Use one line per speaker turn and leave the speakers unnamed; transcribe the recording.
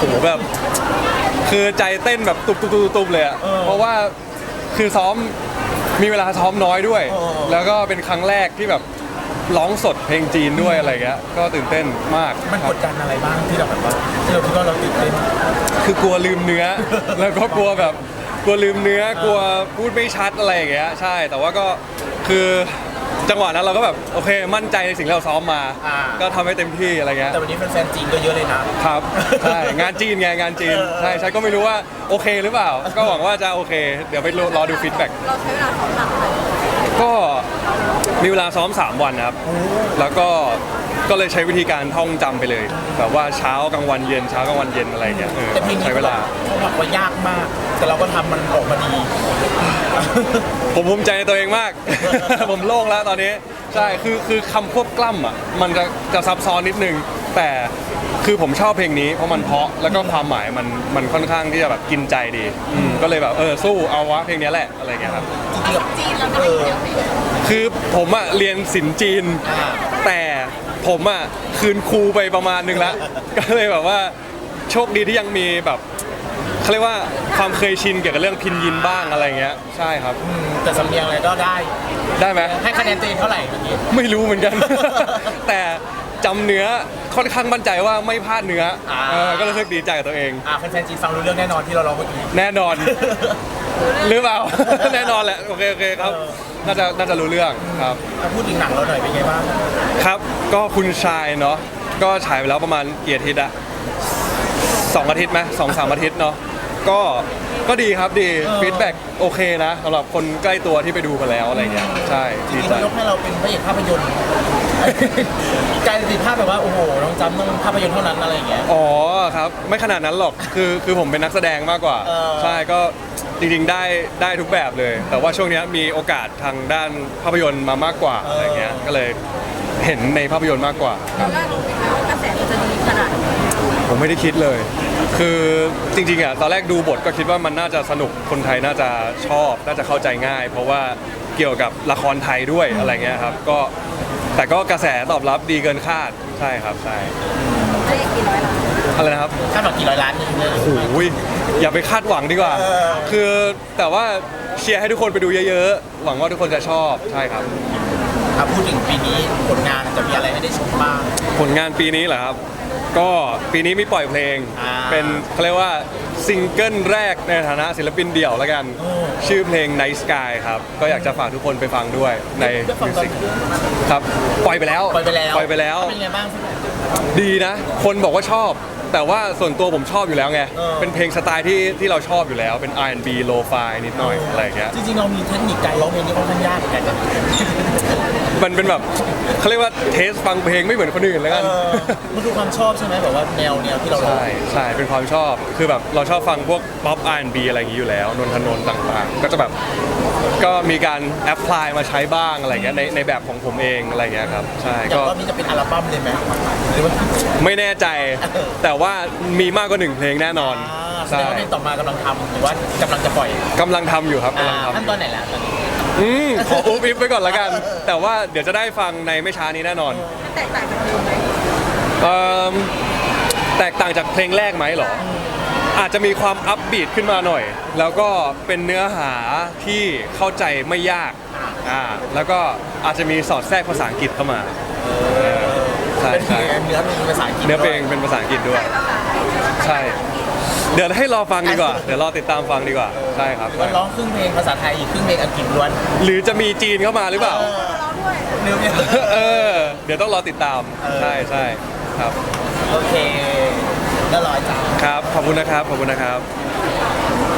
โหแบบคือใจเต้นแบบตุบเลยอะเพราะว่าคือซ้อมมีเวลาซ้อมน้อยด้วยแล้วก็เป็นครั้งแรกที่แบบร้องสดเพลงจีนด้วยอะไรเงี้ยก็ตื่นเต้นมาก
มันกดดันอะไรบ้างที่เราแบบว่าที่เราคิดว่าเราตื่นเต้น
คือกลัวลืมเนื้อแล้วก็กลัวแบบกลัวลืมเนื้อกลัวพูดไม่ชัดอะไรอย่างเงี้ยใช่แต่ว่าก็คือจังหวะนั้นเราก็แบบโอเคมั่นใจในสิ่งที่เราซ้อมมาก็ทำให้เต็มที่อะไรเงี้ย
แต่วันนี้แฟนๆจีนก็เยอะเลยนะครับ
ใช่งานจีนไงงานจีนใช่ก็ไม่รู้ว่าโอเคหรือเปล่าก็หวังว่าจะโอเคเดี๋ยวไปรอดูฟีดแบ็ก
เราใช้เวลาซ้อมหนักเลย
ก็มีเวลาซ้อม3 วันครับแล้วก็เลยใช้วิธีการท่องจำไปเลยแบบว่าเช้ากลางวันเย็นเช้ากลางวันเย็นอะไรอย่างเงี้ยใช้เวลา
เขาบอกว่ายากมาก แต่เราก็ทำมันออกมาดี
ผมภูมิใจในตัวเองมาก ผมโล่งแล้วตอนนี้ใช่คือคำควบกล้ำอ่ะมันจะซับซ้อนนิดนึงแต่คือผมชอบเพลงนี้เพราะมันเพราะแล้วก็ความหมายมันค่อนข้างที่จะแบบกินใจดีก็เลยแบบสู้เอาวะเพลงนี้แหละอะไรเงี้ยครับ
จีนเราก็ได้เยอะ
คือผมอ่ะเรียนศิลป์จีนแต่ผมอ่ะคืนครูไปประมาณนึงแล้วก็เลยแบบว่าโชคดีที่ยังมีแบบเขาเรียกว่าความเคยชินเกี่ยวกับเรื่องพินยินบ้างอะไรเงี้ยใช่ครับ
แต่สำเนียงอะไรก็ได้
ไหม
ให้คะแนนตัวเองเท่าไหร่เมื่อกี้
ไม่รู้เหมือนกัน แต่จำเนื้อค่อนข้างมั่นใจว่าไม่พลาดเนื้อก็รู้สึกดีใจกับตัวเอง
แฟนๆจีนฟังรู้เรื่องแน่นอนที่เราร้องเมื่อกี้
แน่นอนหรือเปล่า แน่นอนแหละโอเคครับน่าจะรู้เรื่องครับ
พูดถึงหนังเราหน่อยเป็นไงบ้าง
ครับก็คุณชายเนาะก็ฉายไปแล้วประมาณกี่อาทิตย์อะ2 อาทิตย์ไหม2-3 อาทิตย์เนาะก็ดีครับดีฟีดแบ็กโอเคนะสำหรับคนใกล้ตัวที่ไปดูมาแล้วอะไรเงี้ยใช่
ดีใจยกให้เราเป็นพระเอกภาพยนตร์กลายเป็นภาพแบบว่าโอ้โหน้องจำต้องภาพยนตร์เท่านั้นอะไรอย่างเงี้ย
อ๋อครับไม่ขนาดนั้นหรอกคือผมเป็นนักแสดงมากกว่าใช่ก็จริงๆได้ทุกแบบเลยแต่ว่าช่วงนี้มีโอกาสทางด้านภาพยนตร์มามากกว่าอะไรเงี้ยก็เลยเห็นในภาพยนตร์มากกว่า
ตอนแรกรู้ไหมคะว่ากระแสมันจะดีขนาดนี้
ผมไม่ได้คิดเลยคือจริงๆอ่ะตอนแรกดูบทก็คิดว่ามันน่าจะสนุกคนไทยน่าจะชอบน่าจะเข้าใจง่าย เพราะว่าเกี่ยวกับละครไทยด้วยอะไรเงี้ยครับแต่ก็กระแสตอบรับดีเกินคาดใช่ครับใช่
ได้กี่ร้อยล้าน
อะไรนะครับ
คาดหวังกี่ร้อยล้านนี่
โอ้โหอย่าไปคาดหวังดีกว่าคือแต่ว่าเชียร์ให้ทุกคนไปดูเยอะๆหวังว่าทุกคนจะชอบใช่ครับ
พูดถึงปีนี้ผลงานจะมีอะไรให้ได้ชมบ้าง
ผลงานปีนี้เหรอครับก็ปีนี้มีปล่อยเพลงเป็นเขาเรียกว่าซิงเกิลแรกในฐานะศิลปินเดี่ยวแล้วกันชื่อเพลง Night Sky ครับก็อยากจะฝากทุกคนไปฟังด้วยในมิวสิกครับปล่อยไปแล้ว
เป็นไงบ้าง
ดีนะคนบอกว่าชอบแต่ว่าส่วนตัวผมชอบอยู่แล้วไงเป็นเพลงสไตล์ที่เราชอบอยู่แล้วเป็น R&B Lo-Fi นิดหน่อยอะไรอย่างเงี้ย
จริงๆเรามีเทคนิคการร้องเพลงที่ค่อนข้างยากเหมือนกัน
มันเป็นแบบเขาเรียกว่าเทสฟังเพลงไม่เหมือนคนอื่นแล้วกัน
มันดูความชอบใช่ไหมแบบว่าแนวที่เรา
ใช่เป็นความชอบคือแบบเราชอบฟังพวกป๊อป R&B อะไรอย่างนี้อยู่แล้วนนทนนท์ต่างๆก็จะแบบก็มีการแอพพลายมาใช้บ้างอะไรเงี้ยในแบบของผมเองอะไรเงี้ยครับใช่
ก็นี้จะเป็นอัลบั้มเลยไหมหรือว่า
ไม่แน่ใจแต่ว่ามีมากกว่า1 เพลงแน่นอน
ใช่เพลงต่อมากำลังทำหรือว่ากำลังจะปล่อย
กำลังทำอยู่ครับ
ขั้นตอนไหนแล้ว
ขออุ๊บอิ๊บไปก่อนละกันแต่ว่าเดี๋ยวจะได้ฟังในไม่ช้านี้แน่นอน
แตกต่างจากเพลงไหม
แตกต่างจากเพลงแรกไหมเหรออาจจะมีความอัพบีทขึ้นมาหน่อยแล้วก็เป็นเนื้อหาที่เข้าใจไม่ยากแล้วก็อาจจะมีสอดแทรกภาษาอังกฤษเข้ามา
ใช่เนื้อเพลงเป็นภาษาอังกฤษ
เนื้อเพลงเป็นภาษาอังกฤษด้วยใช่เดี๋ยวให้รอฟังดีกว่าเดี๋ยวรอติดตามฟังดีกว่าใช่ครับ
ร้องครึ่งเพลงภาษาไทยอีกครึ่งเพลงอังกฤษล้วน
หรือจะมีจีนเข้ามาหรือเปล่า
เนื้อเพลง
เดี๋ยวต้องรอติดตามใช่ครับ
โอเคแล้วรอจ้า
ครับขอบคุณนะครับ